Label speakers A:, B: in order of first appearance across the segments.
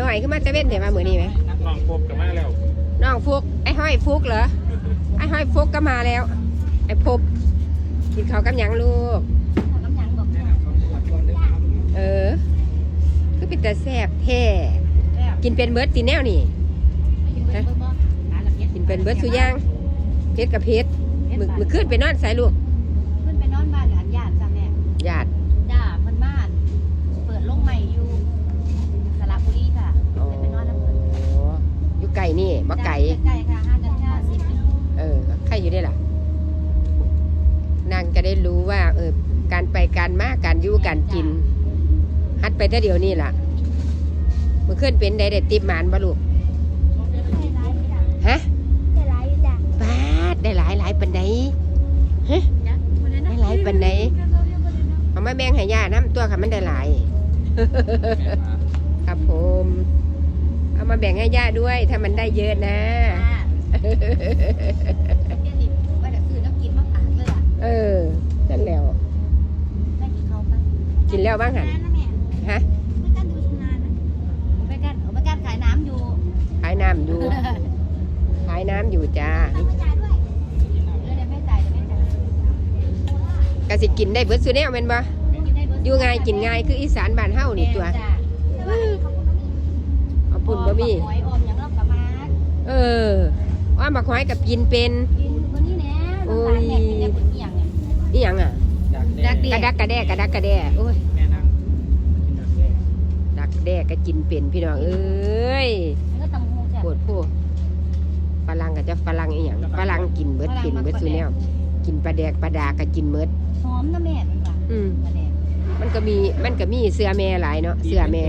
A: น่อยขึ้นมาจะเว้นแต่มาเหมือนนี่ไหม
B: น้องพบกับมาแล้ว
A: น้องฟุกไอ้ห้อยฟุกเหรอไอ้ห้อยฟุกก็มาแล้วไอ้พบกินข้าวกับหยังลูกคือเป็นแต่แซ่บแท้กินเป็นเบิร์ดตีแนวนี่กินเป็นเบิร์ดสุย่างเพชรกับเพชรมือขึ้นไปนอนใส่ลูก
C: ขึ้นไปนอนบ้านหลานญาติจ้ะแม่
A: ญาติ
C: จ้าเพิ่นบ้านเปิดโรงใหม่อยู่สระบุรีค่ะไปนอนแล้วเพิ่น
A: อยู่ไก่นี่บ่ไก่
C: ไก่ค่ะ5 กัน10
A: ใครอยู่ได้ล่ะนางจะได้รู้ว่าการไปการมาการอยู่การกินฮัดไปแต่เดียวนี่ล่ะมือขึ้นเป็นได้ติบหมานบ่ลูกฮะ
C: ได้หลายอยู่จ้ะ
A: บาดได้หลายปันใดฮะได้หลายปันใดเอามาแบ่งให้ย่าน้ำตัวค่ะมันได้หลายครับผมเอามาแบ่งให้ย่าด้วยถ้ามันได้เยอะนะ
C: ว่าจะซื้อน้ำกินมาฝากเลย
A: นั่นแล้ว
C: ได้กินเขาไป
A: กินแล้วบ้างหันฮะ
C: ไม่กันดูชำนาญนะไม่กันขายน้ำอยู่
A: ขายน้ำอยู่ขายน้ำอยู่จ้าก็สิกินได้เบิดซุแนวแม่นบ่อยู่ง่ายกินง่ายคืออีสานบ้านเฮานี่ตัวเอาปุ่นบ่มีว่ามาคอยกับกินเป็นโอ้ยอีหยังอ่ะกระดักกระแดโอ้ยดักแด้ก็กินเป็นพี่น้องเอ้ยปวดผู้ฝรั่งก็จะฝรั่งอีหยังฝรั่งกินเบิดซุแนวกินปลาแดกปลาดาก็กินเบิด
C: หอมนะแม่
A: มันก็มีเสื้อแม่หลายเนาะเสื้อแม่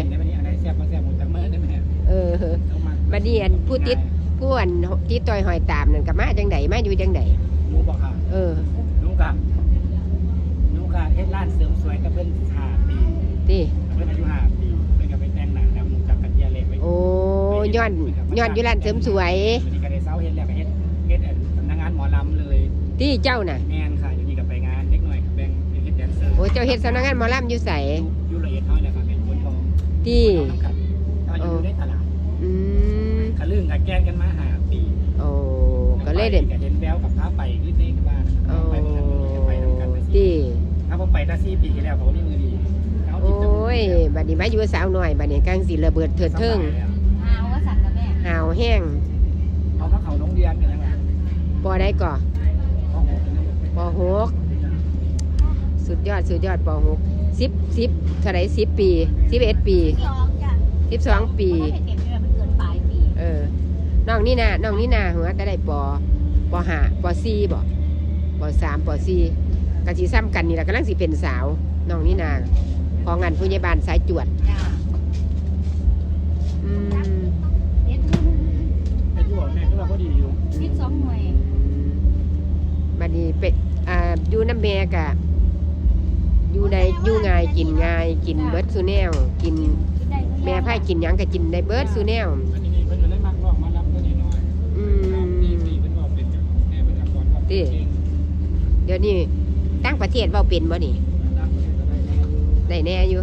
A: บัดนี้อันผู้ติดผู้อันที่ต่อยหอยตามนั่นก็มาจังไดมาอยู่จังได
B: หนูบอกค่ะหนูกะเฮ็ดร้านเสริมสวยกับเพิ่น5 ปี
A: ติ
B: เพิ่นอายุ5 ปีเพิ่นก็ไปแต่งหน้าแล้วหนูจักกันเทียเล็กไว้
A: โอ้ย้อนอยู่ร้านเสริมสวย
B: นี่ก็ได้เซาเฮ็ดแล้วก็เฮ็ดสำนักงานหมอลำเลย
A: ที่เจ้าน่ะ
B: แม่นค่ะอยู่นี่ก็ไปงานเล็กน้อยกับแบ่งเป็นเฮ็ดแดนเซอร์
A: โอ้เจ้าเฮ็ดสำนักงานหมอลำอยู่ไส
B: อยู่ละเอียดเฮาเนี่ยค่ะเป็นคนทอง
A: ที่
B: อยู่ในตลาดกะลึ่งกะแกล้งกันมา5 ปี
A: โอ้ก็เลยเด่น
B: เห็นแววกับพาไปคือในบ้านไปเหมือนกันไปนำกัน
A: ที่
B: ถ้าผมไปได้4 ปีที่แล้วผมนี่มือดี
A: โอ้ยบัดนี้มาอยู่สาวหน่อยบัดนี้กลางสิระเบิดเถิดเทิง
C: หาวว่าสั่นนะแม่
A: หาวแห้ง
B: เอามาเขาโรงเรียนกันยังไง
A: ปอได้ก่อป.6สุดยอดป.6 10เท่าไหร่10 ปี11 ปี12 ปีน้องนี่นาหัวก็ได้ป.5 ป.4 บ่ป.3 ป.4ก็สิซ้ำกันนี่แหละกำลังสิเป็นสาวน้องนี่นาของงานผู้ใหญ่บ้านสายจวด
B: เป็นอยู่แม่ก็พอดีอยู่
C: 12 หน่วย
A: บัดนี้เป็ดอยู่น้ำแม่กะอยู่ง่ายกินเบิร์ดซูแนลกินแม่ไผ่กินหยังก็กินได้เบิร์ดซูแนลเดี๋ยวนี้ตั้งประเทศว่าเป็นบ่นี่ได้แน่อยู่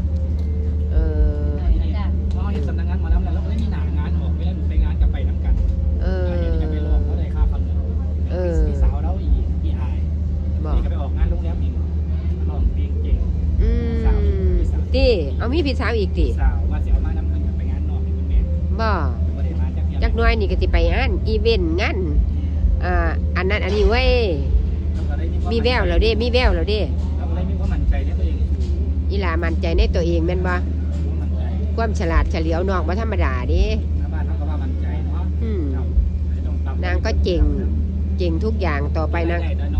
B: สำนักงานมาแล้วแล้วไม่มีหนางานออกไปแล้วหนูไปงานกับไปน้ำกันจะไปลองเขาได้ค่าฟันพี่สาวแล้วอีอายนี่ก็ไปออกงานโรงแรมอีกลองเพลงเก่ง
A: ตีเอามีพี่สาวอีกตี
B: สาวว่าจะเอามานำกันไปงานนอกคุณแม่
A: บ่จักน้อยนี่ก็สิไปงานอีเวนต์งานอันนั้นอันนี้เว้ยมีแววแล้วเด้
B: มีความมั่นใจในตัวเอง
A: อีหลามั่นใจในตัวเองแม่นบ่ความฉลาดเฉลียวนอกบ่ธรรมดาเด้
B: บ้านเขาก็ว่ามั่นใจเนาะ
A: นางก็เก่งทุกอย่างต่อไปนาง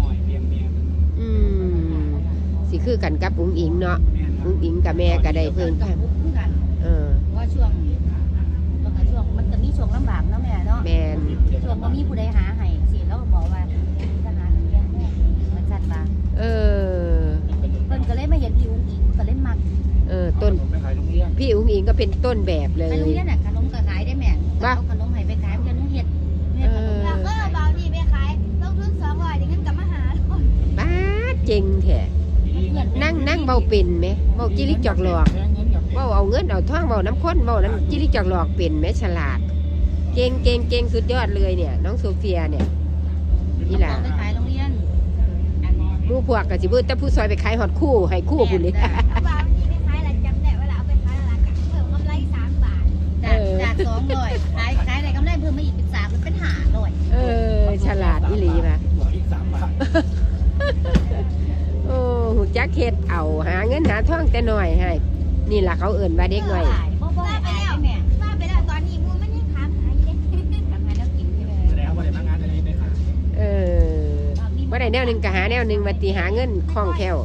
A: สิคือกันกับอุ้งอิงเนาะอุ้งอิงกับแม่ก็ได้เพิ่นกัน
C: ว่าช่วงมันจะมีช่วงลำบากเนาะแม่เนาะ
A: แม่
C: ช่วงบ่มีผู้ใดหาให้สิแล้วก็บอกว่าจะหาเลี้ยงแม่มันจัดว่าเพิ่นก็เลยมาเห็นพี่อุ้งอิงก็เลยมัก
A: ต้นพี่อุ้งอิงก็เป็นต้นแบบเลย
C: ไปโรงเรียนน่ะขนมก็ขายได้แม่เอาขนมให้ไปขายเพื่อนเฮ็ดขนมแล้วก็เบานี่ไปขายลงทุน200อย่างนั้นกลับมาหา
A: บ้าเจ๋งแท้นั่งเบาเป็นไหมเบาจิริจอกหลอกเว้าเอาเงินเอาทองเว้าน้ำข้นเว้าน้ำจิริจอกหลอกเป็นแม่ฉลาดเก่งสุดยอดเลยเนี่ยน้องโซเฟียเนี่ยนี่ล่ะ
C: ไปขายโรงเรียนอันนี้
A: หมู่พวกก็สิเบิ่แต่ผู้ซอยไปขายฮอดคู่ให้คู่พุ่นนี่
D: ว่าวันนี้ไม่ขายอะไรจำได้เวลาเอาไปขายราคาเพิ่มกำไร3 บาท
C: จาก200ขายได้กำไรเพิ่มมาอีกเป็น3มันเป็น500
A: เออฉลาดอีหลีป่ะ
B: บวกอีก3 บาท
A: โอ้หูจักเฮ็ดเอาหาเงินหาทองแต่น้อยให้นี่ล่ะเขาเอิ้นว่าเด็กน้อย
C: บ่ไปแล้วแม่
D: ว่าไปแล้วตอนนี้มูมันยังถามหาอยู่เด้
C: ทำงานแล้วกินใช่ไหม
B: แสดงว่าได้มางานอะไรได้ค่ะ
A: เออบ่ได้แนวหนึงก็หาแนวหนึงมาติหาเงินคล่องแคล่ว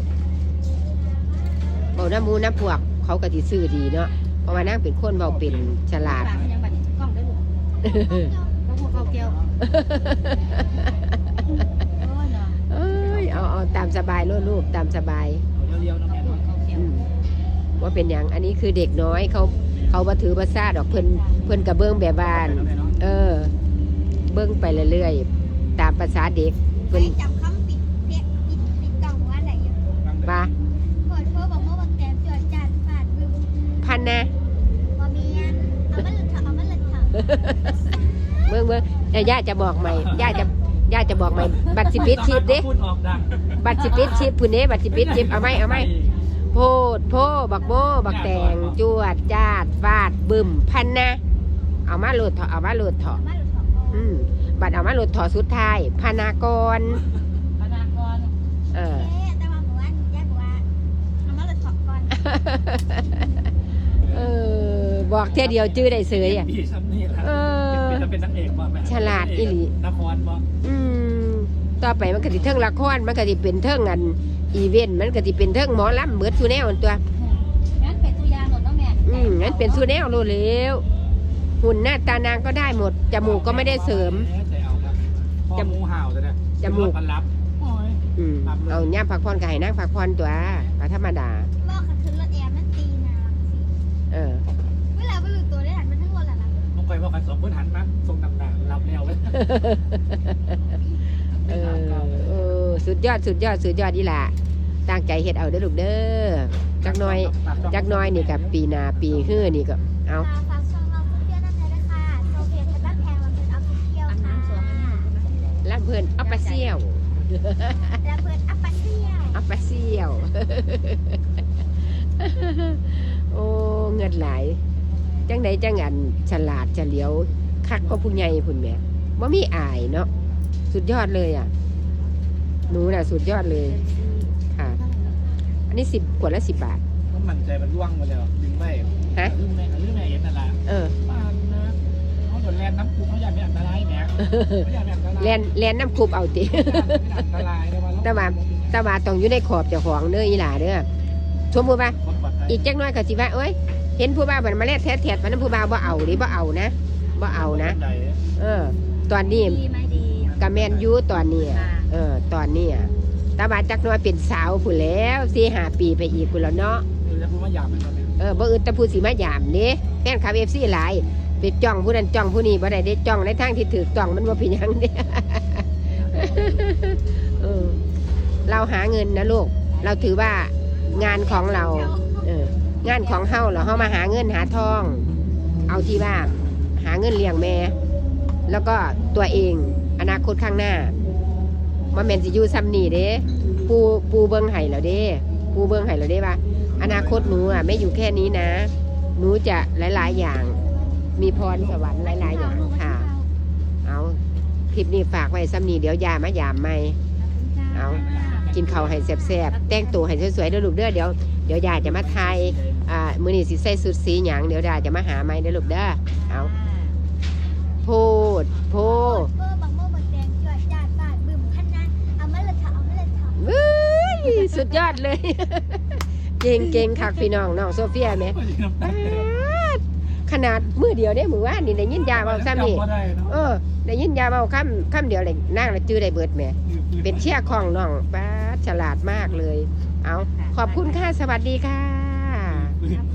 A: บ่น้ำหมูน้ำพวกเขาก็สิซื้อดีเนาะเพราะว่านางเป็นคนเว้าเป็นฉลาด
C: ฝากมันยังบัดนี้กล้องได้ลูกก็พวกเขาเกี่ยวโอ้เนาะ
A: เอ้ยเอาตามสบายโลดลูกตามสบาย
B: เอาเรียวๆน้องแม่
C: พวกเขาเกี่ยว
A: อืมว่าเป็นอย่างอันนี้คือเด็กน้อยเขาบ่ถือบ่ซ่าดอกเพิ่นกะเบิ่งแบบบ้าน เออ เบิ่งไปเรื่อยๆตามภาษาเด็ก
D: ไป
A: เพิ่น
D: จำคำปิดกล่องว่าอะไรอยู่
A: ว่า
D: เปิดเพิ่มบอกว่าแกมจอดจานฟาดบึ้ม
A: พันนะ
D: บ่มีอันเอามันเลยเถอะ
A: เบิ่งย่าจะบอกใหม่ย่าจะบอกใหม่บัตรสิปิดชีพเด้
B: พูดออกดัง
A: บัตรสิปิดชีพพุ่นเด้บัตรสิปิดชีพเอาไหมโพดโพบักโมบักแตงจวดจาดฟาดบึ้มพันนะเอามาโหลดเถาะ
D: เอามันเลยเถอะ
A: บัตรเอามาโหลดเถาะสุดท้ายพนากร
C: พนักงาน
A: เออ
D: แต่ว่าหมู่บ้านยากกว่าเอามันเลยเถอะก่อน
A: เออบอกเท่ยเดียวจื้อได้เสยอ่ะ
B: ดีซ้ำนี่แหละ
A: เออ
B: เป็นนักเอกบ่แม่
A: ฉลาดอีหลี
B: นครบ่
A: ต่อไปมันก็สิเทิงละครมันก็สิเป็นเทิงอันอีเวนต์มันก็สิเป็นเทิงหมอลำเบิดซูแนวอันตัว
C: งั้นเป็นตัวอย่างหมดเนาะแม่
A: งั้นเป็นซูแนวโลดแล้วหุ่นหน้าตานางก็ได้หมดจมูกก็ไม่ได้เสริม
B: ใจเอาครับพ่อหมูห่าวแต่เนี่ย
A: จมูก
B: มันรับโอ้ย
A: เอาย่ามพักผ่อนก็ให้นางพักผ่อนตัวก็ธรรมดา
D: บอกขัดขึ้นรถแอร์มันตีนะ
A: เออ
D: เวลาไปหลุดตัวได้หันมันทั้งวันละนะ
B: ต้องไปบอกกัน2 คนหันมาส่งดำๆรับแล้วเว้ย
A: เออสุดยอดอีหล่ะตั้งใจเฮ็ดเอาเด้อลูกเด้อจักหน้อยนี่กับปีหน้าปีฮื้อนี่ก็เอา
D: ฝากช่องเราเพื่อนๆนะคะด้วยค่ะโซเฟียทับบ้านแพงมันเป็นออฟฟิเชียล
C: อัน
D: ค่ะ
C: น้ำสองอันนี้
A: ลำเพิ่นอัปปะเซี่ยว
D: และเพื่อนอัปปะเซียว
A: อัปปะเซี่ยว โอ้เงินหลายจังใดจังอันฉลาดเฉลียวคักก็ผู้ใหญ่พุ่นแหม่บ่มีอายเนาะสุดยอดเลยอ่ะหนูน่ะสุดยอดเลยค่ะ อันนี้10 ขวดละ10 บาท
B: มันมั่นใจมันล่วงมาแล้วดึงไว้
A: ฮะ
B: ลืมแม่เห็นนั่นล่ะ
A: เออ
B: บ้านนะเขาโดนแลนน้ำคุกเขาอยากเป็นอันตรายแหมเขาอยากเป็นอันตราย
A: แลนน้ำคุบเอาติ
B: อันตรายเลยว่า
A: แต่ว่าต้องอยู่ในขอบเจ้าของเด้ออีหล่าเด้อสมมุติว่าอีกจักหน้อยก็สิว่าเอ้ยเห็นผู้บ่าวมันมาแลดแท้ๆมันนั้นผู้บ่าวบ่เอาดิบ่เอานะเออ ตอนนี้
C: ดีไหมดี
A: กะแม่นอยู่ตอนนี้อะตอนนี้อะแต่ว่าจักหน้อยเป็นสาวพุ่นแล้ว4-5 ปีไปอีกพุ่นแล้วเนาะ
B: จะพูดว่าหยาบมันเลย
A: บ่อึดแต่ผู้สิมายามเด้แฟนคลับ FC หลายไปจ้องผู้นั้นจ้องผู้นี้บ่ได้เด้จ้องในทางที่ถูกต้องมันบ่เป็นหยังเด้ เออเราหาเงินนะลูกเราถือว่างานของเรางานของเฮาเรามาหาเงินหาทอง เอาที่ว่าหาเงินเลี้ยงแม่ แล้วก็ตัวเองอนาคตข้างหน้ามาแม่นสิอยู่ซ้ำนี่เด้ปูเบิ่งให้แล้วเด้ปูเบิ่งให้แล้วเด้ว่าอนาคตหนูอ่ะไม่อยู่แค่นี้นะหนูจะหลายๆอย่าง มีพรสวรรค์หลายๆอย่างค่ะเอาคลิปนี้ฝากไว้ซ้ำนี่เดี๋ยวยามายามใหม่เอากินข้าวให้แซ่บๆแต่งตัวให้สวยๆเด้อลูกเด้อเดี๋ยวยายจะมาถ่ายมื้อนี้สิใส่สุดสีหยังเดี๋ยวยายจะมาหาใหม่เด้อลูกเด้อเอาโพด
D: เบอร์บังโม่บังแดงจอดจานฟาดบึ้มพันนะเอามันเลยเถอะ
A: เว้ยสุดยอดเลย เก่งคักพี่น้องโซเฟียแม่ขนาดมือเดียวได้มือว่านี่ได้ยินยาเบาซ้ำนี่ได้ยินยาเบาคำเดียวเลยนั่งแล้วจื้อได้เบิดแม่เป็นเชี่ยของน้องป้าฉลาดมากเลยเอาขอบคุณค่ะสวัสดีค่ะ